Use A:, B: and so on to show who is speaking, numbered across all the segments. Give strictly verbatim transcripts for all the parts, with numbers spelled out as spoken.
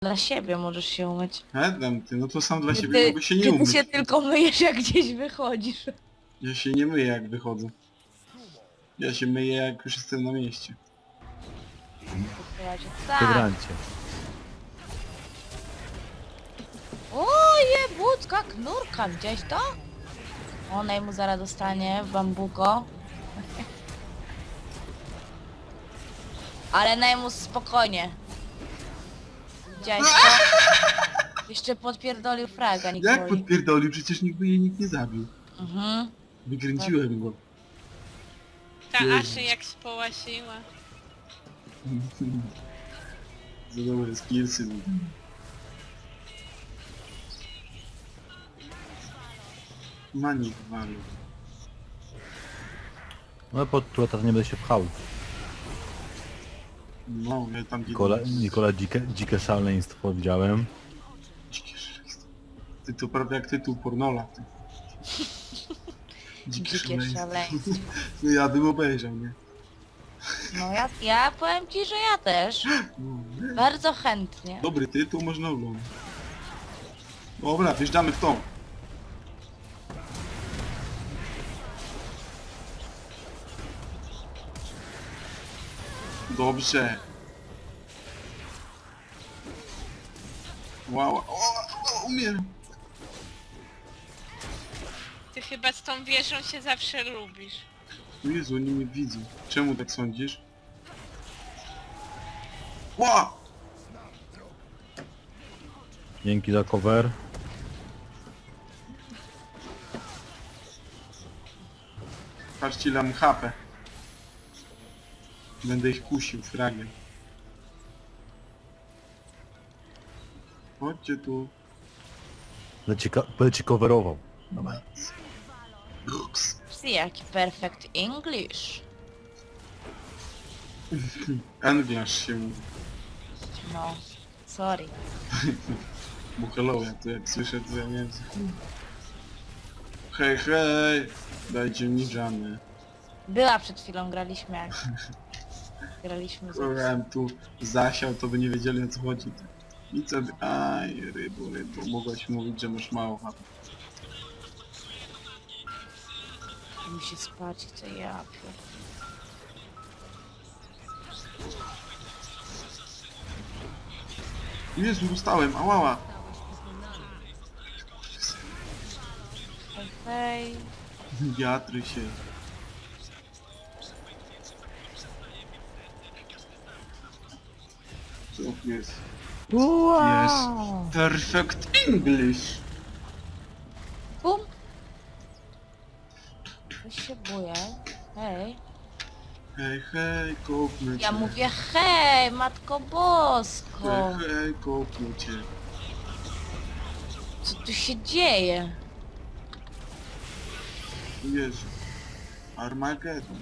A: Dla siebie możesz się umyć.
B: Edem, ty, no to sam dla
A: Czy
B: siebie
A: ty,
B: mogę się nie
A: czy ty
B: umyć.
A: się tylko myjesz, jak gdzieś wychodzisz?
B: Ja się nie myję jak wychodzę. Ja się myję jak już jestem na mieście.
A: Tak.
C: Hydrancie.
A: Oje, budka, knurka, gdzieś to? Ona mu zaraz dostanie w bambuko. Ale Neymus spokojnie. Widziałeś to? Jeszcze podpierdolił fraga,
B: Jak
A: Nikoli.
B: podpierdolił? Przecież nikt by jej nikt nie zabił.
A: Mhm.
B: Wykręciłem go.
D: Ta
B: Jezu.
D: Aszy jak społasiła.
B: Za dobre skillsy. Manik walił.
C: No pod teraz nie będę się pchał.
B: No, ja tam
C: Nikola, Nikola dzikie, dzikie szaleństwo widziałem.
B: Dzikie szaleństwo. Ty to prawie jak tytuł pornola. Ty. Dzikie,
A: Dzikie szaleństwo.
B: No ja bym obejrzał, nie?
A: No ja, ja powiem ci, że ja też.
B: No, nie.
A: Bardzo chętnie.
B: Dobry tytuł, można oglądać. Dobra, wjeżdżamy w to. Dobrze. Wow, o, o, umiem.
D: Ty chyba z tą wieżą się zawsze lubisz.
B: O Jezu, oni mnie widzą. Czemu tak sądzisz? Ła!
C: Dzięki za cover.
B: Patrzcie ile mam hapę. Będę ich kusił fragiem. Chodźcie tu.
C: Będę ci, ka- będę ci coverował.
B: Brooks.
A: Psy, jaki perfect English.
B: Angliarz się mówi.
A: No, sorry.
B: Bo hello, ja to jak słyszę to ja nie wiem co. Hej, hej! Dajcie mi żany.
A: Była przed chwilą, graliśmy jak... Graliśmy z...
B: Próbowałem tu zasiał, to by nie wiedzieli o co chodzi. I co by... Aj, rybo, rybo, mogłaś mówić, że masz mało hapy.
A: Mi się spać chce, ja pier...
B: Jezu, dostałem, ałała!
A: Hej, hej.
B: Wiatry się. Co tu jest?
A: Wow.
B: Perfect English!
A: Bum. Coś się boję. Hej.
B: Hej, hej, kopnę cię.
A: Ja mówię hej, Matko
B: Hej,
A: Bosko.
B: hej, kopnę cię.
A: Co tu się dzieje?
B: Jezu. Armageddon.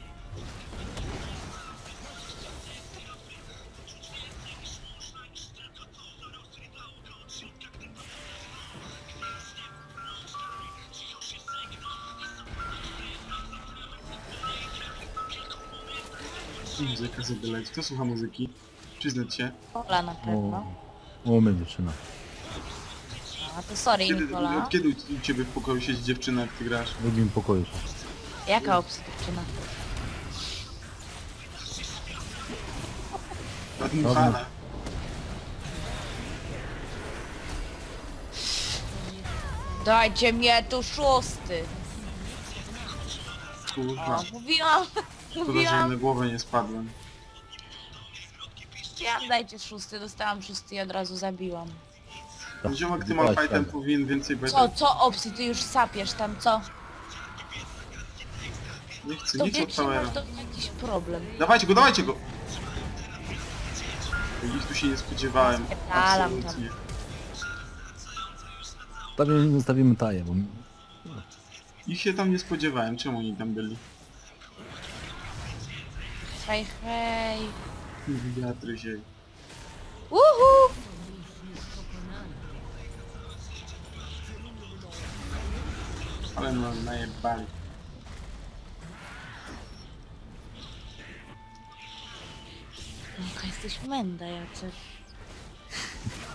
B: Muzyka sobie leci. Kto słucha muzyki? Przyznać się.
A: Ola na
C: O,
A: pewno.
C: o mnie dziewczyna.
A: A to sorry,
B: Kiedy,
A: Nikola.
B: od kiedy u ciebie w pokoju siedzi dziewczyna, jak ty grasz?
C: W drugim pokoju są.
A: Jaka obstyczna?
B: Nadmuchana.
A: Dajcie mnie tu szósty. O,
B: Kurwa.
A: mówiłam,
B: Szkoda, że
A: mówiłam.
B: na głowę nie spadłem.
A: Ja dajcie szósty, dostałam szósty i od razu zabiłam.
C: Tak,
B: Ziomek, ty
C: wybrać
B: malfightem
C: tak.
B: powinien więcej być.
A: Co, co obsy, ty już sapiesz tam, co?
B: Nie chcę,
A: To
B: nie chcę od
A: wiecznie
B: powera.
A: masz to jakiś problem.
B: Dawajcie go, dawajcie go! Nic tu się nie spodziewałem.
A: Spierdalam tam.
B: Absolutnie.
C: Stawimy, stawimy taję, bo...
B: Ich się tam nie spodziewałem. Czemu oni tam byli?
A: Hej, hej.
B: Wiatry się.
A: Uhu!
B: Ale no najebali.
A: Jaka jesteś menda, Jacek.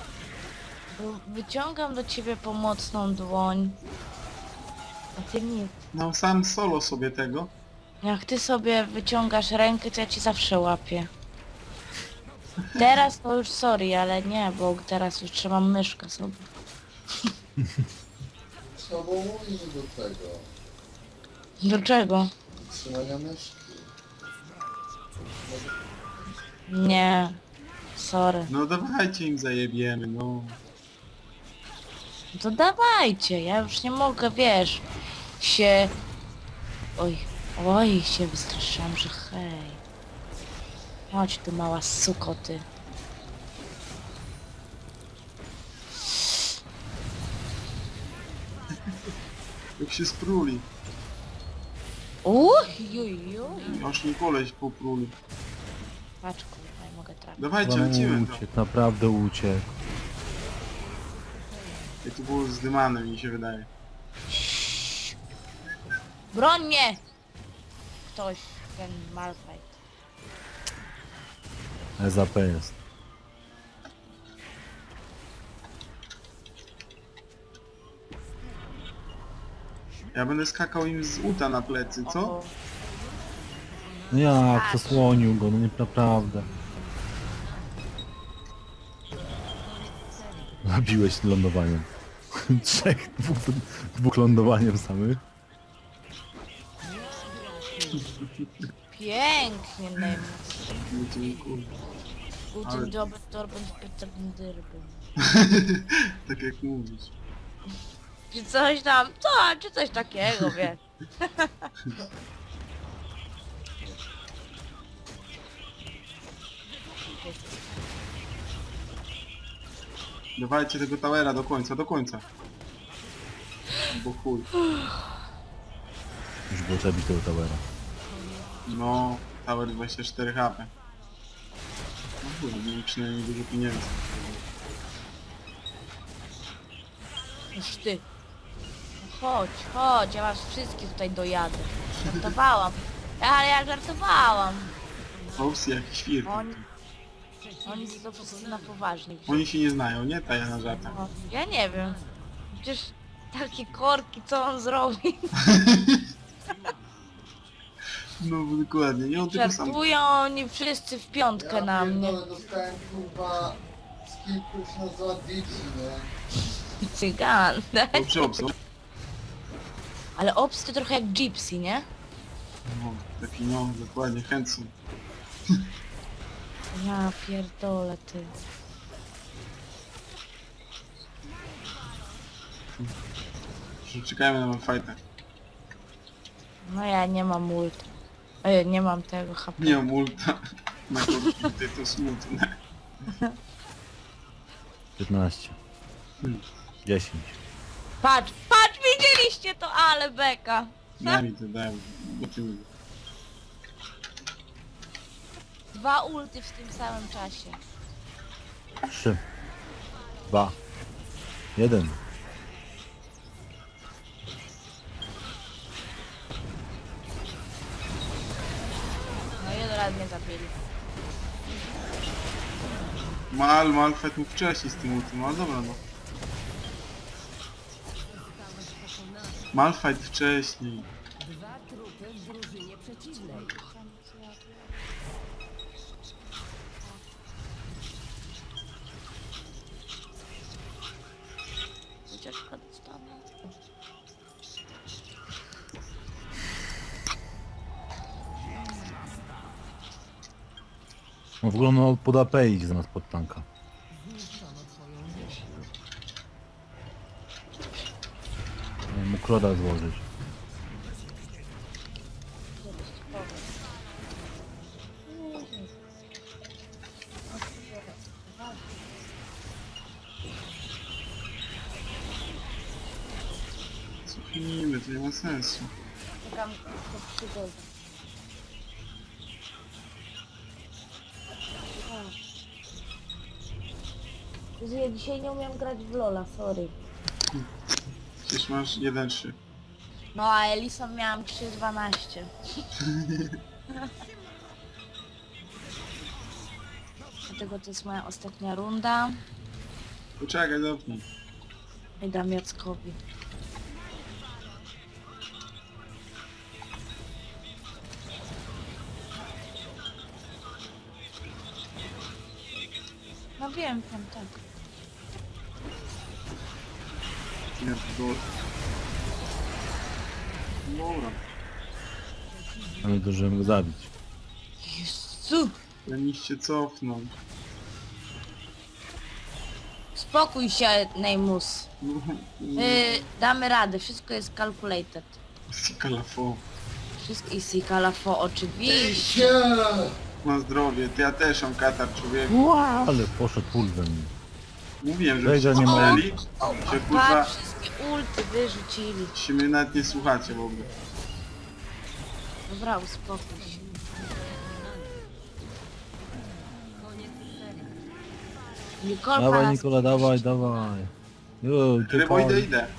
A: Wyciągam do ciebie pomocną dłoń. A ty nic.
B: No sam solo sobie tego.
A: Jak ty sobie wyciągasz rękę, to ja ci zawsze łapię. Teraz to już sorry, ale nie, bo teraz już trzymam myszkę sobie.
E: Co bo mówisz do tego?
A: Do czego?
E: Trzymania myszki.
A: Nie. Sorry.
B: No dawajcie im zajebiemy, no.
A: To dawajcie, ja już nie mogę, wiesz, się... Oj, oj, się wystraszyłam, że hej. Chodź tu mała suko, ty.
B: Jak się spruli.
A: Uch, juj, juj.
B: Aż mi koleś popruli.
A: Patrz, kurwa, nie mogę trafić.
B: Dawajcie,
C: No,
B: lecimy to.
C: uciekł, naprawdę uciekł.
B: I tu było zdymane, mi się wydaje.
A: Broń mnie! Ktoś, ten Malphite.
C: S A P jest.
B: Ja będę skakał im z uta na plecy, co?
A: O,
C: No jak, zasłonił go, no nie naprawdę. Zabiłeś lądowaniem. Trzech, dwóch, dwóch lądowaniem samych.
A: pięknie, Neymus.
B: No to kurwa. Ale-
A: Guten Job, Torben, Peterben, Dyrben.
B: Tak jak mówisz.
A: Czy coś tam, co, czy coś takiego, wiesz.
B: Dawajcie tego towera do końca, do końca. Bo chuj.
C: Już było trzeba bić tego towera.
B: No, tower dwadzieścia cztery H P. No chuj, mieli przynajmniej dużo pieniędzy.
A: Już ty. No chodź, chodź, ja was wszystkich tutaj dojadę. Żartowałam. Ale ja żartowałam.
B: Opsy jak świr.
A: Oni... Oni są wszyscy na poważnie.
B: Oni się nie znają, nie? Ta ja na żartach.
A: No, ja nie wiem. Przecież takie korki, co on zrobi?
B: No bo dokładnie, nie on tylko sam.
A: Żartują oni wszyscy w piątkę na mnie.
E: pierdolę, dostałem kurwa z kilku się nazywa Dixie, nie?
A: Cygan.
B: Dobrze obsą.
A: Ale obs to trochę jak gypsy, nie?
B: No, taki no, dokładnie, chętny.
A: Ja pierdolę, ty.
B: Czekajmy na fajtę.
A: No ja nie mam ult. Ej, nie mam tego H P.
B: Nie mam ulta. Na konflikty to smutne.
C: piętnaście.
B: Hmm.
C: dziesięć.
A: Patrz, patrz, widzieliście to, ale beka.
B: Daj mi to, daj mi. Bo ty mi.
A: Dwa ulty w tym samym czasie.
C: trzy. dwa. jeden.
A: No i od razu mnie zabili.
B: Mal, Malfet mu wcześniej z tym ultim, ale dobra no. Malfight wcześniej.
A: Ucieczka dostanę.
C: No w ogóle no pod A P idzie zamiast pod tanka. Nie mógł kroda złożyć.
B: Cofnijmy, to nie ma sensu.
A: Czekam do przygody. Jezu, ja dzisiaj nie umiem grać w Lola, sorry.
B: Przecież masz jeden trzy.
A: No a Elison miałam trzy dwanaście. Dlatego to jest moja ostatnia runda.
B: Poczekaj, dopnij.
A: I dam Jackowi. No wiem, wiem, tak.
B: Nie, to... Dobra.
C: Ale zdążyłem go zabić.
A: Jezu!
B: Powinniście cofnąć.
A: Spokój się, Neymus.
B: No,
A: Yy, damy radę, wszystko jest calculated.
B: Sikalafo.
A: Wszystko i Sikalafo, oczywiście.
E: Się!
B: Na zdrowie, ty ja też mam katar, człowieku.
C: Wow, ale poszedł pulwem.
B: Mówiłem, że
C: Weź, że
B: się
C: nie ma-
B: zamknęli, że kurwa
A: Patrz, wszystkie ulty wyrzucili.
B: się mnie nawet nie słuchacie w ogóle.
A: Dobra, uspokój się. Nikolka
C: Dawaj
A: nas...
C: Nikola, dawaj, dawaj. Jo,
B: Rybo, idę,
C: uciekaj.
B: idę.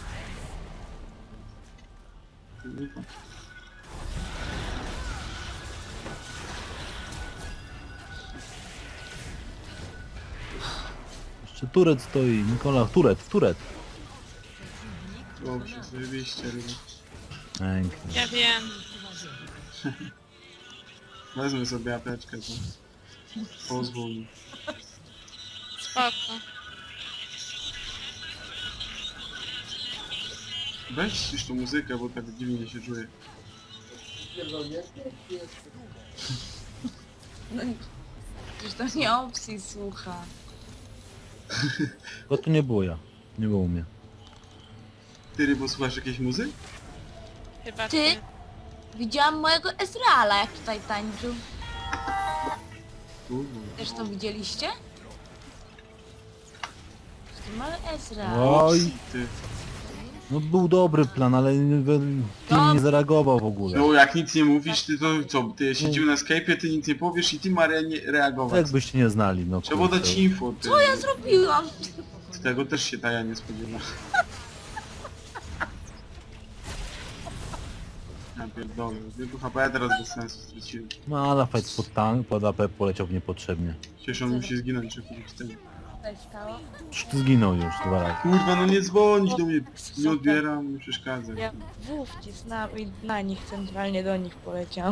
C: Jeszcze turet stoi. Nikola, turet, turet.
B: Dobrze, zajebiście, rybo.
C: Pięknie.
D: Ja wiem.
B: Wezmę sobie apeczkę, to pozwól mi.
D: Spoko.
B: Weź już tą muzykę, bo tak dziwnie się czuję.
E: Pierdolnie, jest.
A: No, przecież to nie opcji słucha.
C: Bo to nie było ja. Nie było mnie.
B: Ty, rybo, słuchasz jakiejś muzyki?
D: Chyba
A: Ty?
D: ty.
A: Widziałam mojego Ezreala, jak tutaj tańczył.
B: Kurwa.
A: Też to widzieliście? To mały Ezreal.
C: Oj,
B: Ty.
C: no był dobry plan, ale team nie zareagował w ogóle.
B: No jak nic nie mówisz, ty to co? Ty siedził na Skype'ie, ty nic nie powiesz i ty Maria nie reagować.
C: Jakbyście nie znali, no
B: Trzeba
C: kurde.
B: dać info, ty.
A: Co ja zrobiłam?
B: Z tego też się ta ja nie spodziewa. Ja pierdolę, tylko H P teraz bez sensu straciłem.
C: No ale fight pod tank, pod A P poleciał niepotrzebnie.
B: Cieszę, on musi zginąć, czy kupić ten.
A: Co się stało?
C: Już ty zginął już dwa razy.
B: Kurwa, no nie dzwonić do mnie, nie odbieram, nie przeszkadzaj.
A: Ja W wcisnęłam i na nich, centralnie do nich poleciałam.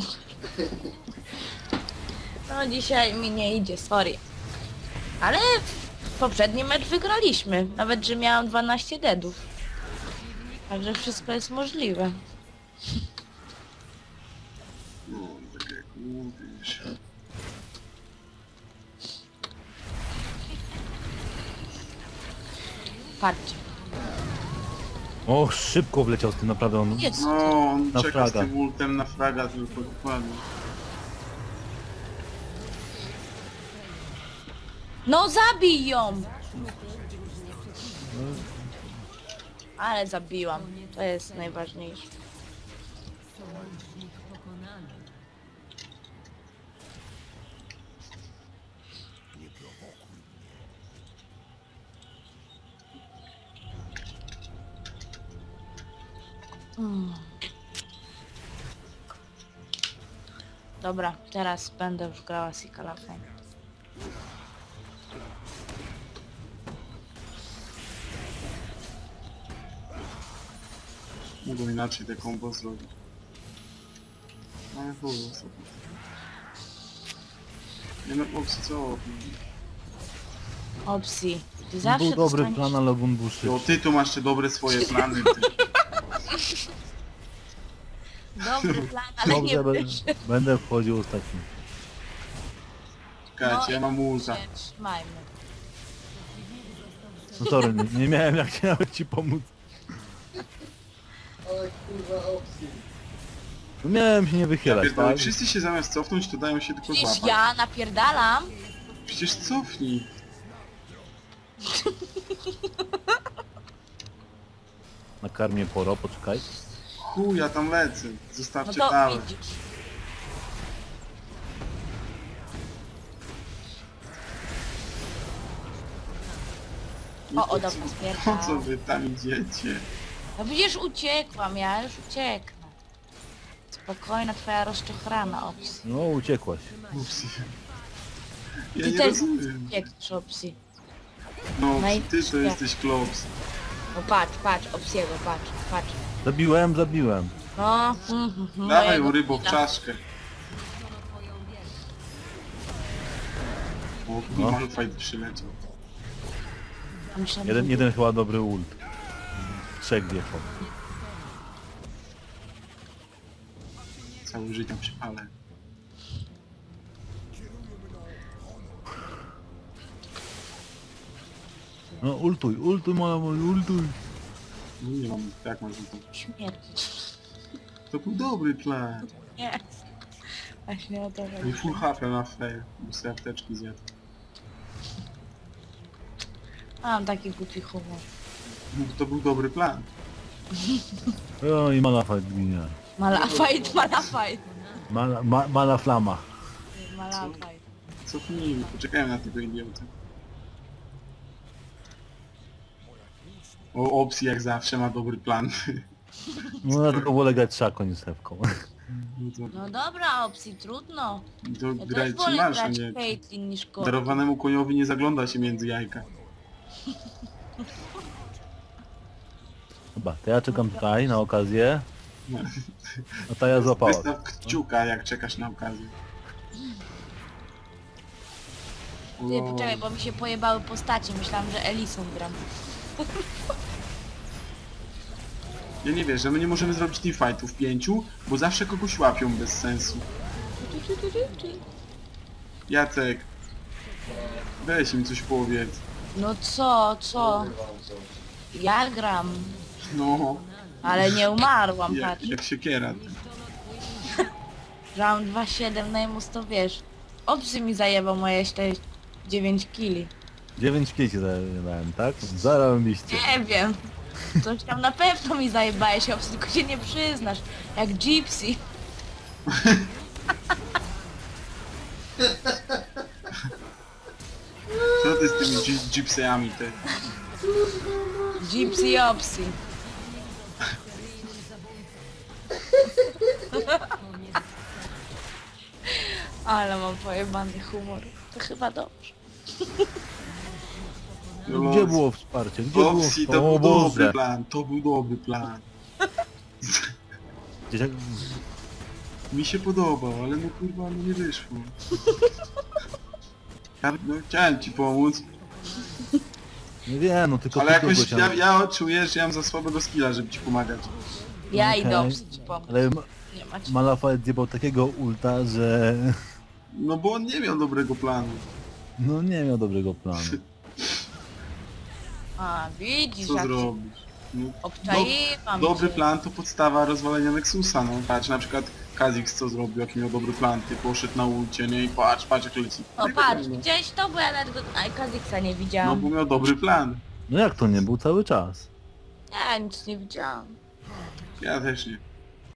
A: No dzisiaj mi nie idzie, sorry. Ale poprzedni mecz wygraliśmy, nawet że miałam dwanaście deadów. Także wszystko jest możliwe.
B: No, tak jak mówisz.
A: Patrzcie.
C: O, szybko wleciał z tym naprawdę on.
A: Jest.
B: No, on
C: Na
B: czeka
C: fraga.
B: z tym ultem na fraga tylko dokładnie.
A: No zabij ją! Ale zabiłam. To jest najważniejsze. Mm. Dobra, teraz będę już grała Sikalafem.
B: Mogą inaczej te combo zrobić. Ale chuj, sobie. Nie no, opcji co?
A: Opcji. Ty zawsze
C: Był dobry
A: dostaniesz-
C: plan, ale on był
B: Jo,
C: szybszy.
B: ty tu masz te dobre swoje plany. Ty.
A: Dobry plan, ale nie
C: Dobrze, będę,
A: wyszedł.
C: będę wchodził ostatni.
B: Czekajcie, ja mam ulta.
A: się trzymajmy.
C: No sorry, nie, nie miałem jak nawet ci pomóc.
E: Ale kurwa opcji.
C: No miałem się nie
B: Ja
C: wychylać,
B: pierdolę,
C: tak?
B: wszyscy się zamiast cofnąć, to dają się tylko
A: Przecież
B: złapać.
A: ja napierdalam.
B: Przecież cofnij.
C: Nakarmię poro, poczekaj.
B: Chuj, ja tam lecę.
A: No
B: Zostawcie
A: to
B: tam.
A: widzisz. O, o, dobra,
B: Po
A: spierdam.
B: co wy tam idziecie?
A: No przecież uciekłam, ja już ucieknę. Spokojna twoja rozczochrana opcji.
C: No uciekłaś.
B: Upsi. Ja
A: Ty
B: nie
A: też
B: rozumiem.
A: uciekniesz opcji.
B: No,
A: No i
B: ty to
A: wszystko.
B: jesteś klops.
A: No patrz, patrz, obsiego, patrz, patrz.
C: Zabiłem, zabiłem.
A: No, mhm, mhm,
B: Dawaj
A: mojego
B: mu rybo w
A: killa.
B: czaszkę. O,
C: No.
B: Malfight przyleciał.
A: Myślałem,
C: Jeden,
A: że-
C: jeden chyba dobry ult. Trzech wjechał.
B: Całe życie przypalę.
C: No ultuj, ultuj moja, mój, ultuj.
B: No nie mam, jak można to...
A: Śmierć.
B: To był dobry plan.
A: Nie. Właśnie o to
B: I
A: chodzi.
B: full H P na fail, bo sobie apteczki zjadł.
A: Mam taki głupi humor.
B: No, to był dobry plan.
C: O i Malafajt ginie.
A: Malafajt, malafajt.
C: Mala, ma, mala flama.
A: Malafajt.
B: Cofnijmy, poczekajmy na tego idiotę. O, Opsi jak zawsze ma dobry plan.
C: No ja tylko wolę grać szaką niż sewką.
B: No to,
A: No dobra, opcji, trudno.
B: to
A: Ja
B: graj
A: też wolę
B: czy masz, a
A: grać
B: nie...
A: Caitlyn niż Kor.
B: Darowanemu koniowi nie zagląda się między jajka.
C: Chyba, to ja czekam tutaj na okazję.
B: No.
C: A ta ja złapała.
B: Wystaw kciuka jak czekasz na okazję.
A: Ty,
B: O,
A: poczekaj, bo mi się pojebały postacie. Myślałam, że Elisą gram.
B: Ja nie wiesz, że my nie możemy zrobić teamfightów pięciu, bo zawsze kogoś łapią bez sensu. Jacek, weź im coś powiedz.
A: No co, co?
E: Powiem wam coś.
A: Ja gram.
B: No,
A: Ale nie umarłam,
B: jak,
A: patrz.
B: jak siekiera.
A: Round dwa siedem najmus to wiesz. Obcy mi zajebał moje dziewięć kili.
C: dziewięć pięć dałem, tak? Zarobiliście.
A: Nie wiem. Coś tam na pewno mi zajebałeś, obcy, tylko się nie przyznasz. Jak Gypsy.
B: Co ty z tymi dzi- gypsyami ty?
A: Gypsy Opsy. Ale mam pojebany humor. To chyba dobrze.
B: No,
C: Gdzie było wsparcie? Gdzie było
B: Opsi,
C: wsparcie?
B: to
C: O
B: był dobry
C: Boże!
B: plan, to był dobry plan.
C: Gdzieś jak...
B: Mi się podobał, ale no kurwa, no nie wyszło. Ja, no, chciałem ci pomóc,
C: Nie wiem, no tylko
B: ale
C: ty
B: jakoś
C: kogoś
B: ja,
C: tam-
B: ja czuję, że ja mam za słabego skilla, żeby ci pomagać.
A: Ja
C: Okej.
A: idę Opsy ci pomóc.
C: Ale
A: Nie macie.
C: Malafajt zjebał takiego ulta, że...
B: No bo on nie miał dobrego planu.
C: No nie miał dobrego planu.
A: A, widzisz,
B: Co
A: jak się
B: zrobisz? No,
A: obczaiłam
B: dobry
A: cię.
B: plan to podstawa rozwalenia Nexusa, no patrz na przykład Kha'Zix co zrobił, jaki miał dobry plan, ty poszedł na ulcie, nie i patrz, patrz jak leci.
A: O, patrz, widziałeś to? Bo ja nawet go... Aj, Kaziksa nie
B: No
A: widziałam.
B: bo miał dobry plan.
C: No jak to nie był cały czas?
A: Ja nic nie widziałam.
B: Ja też nie.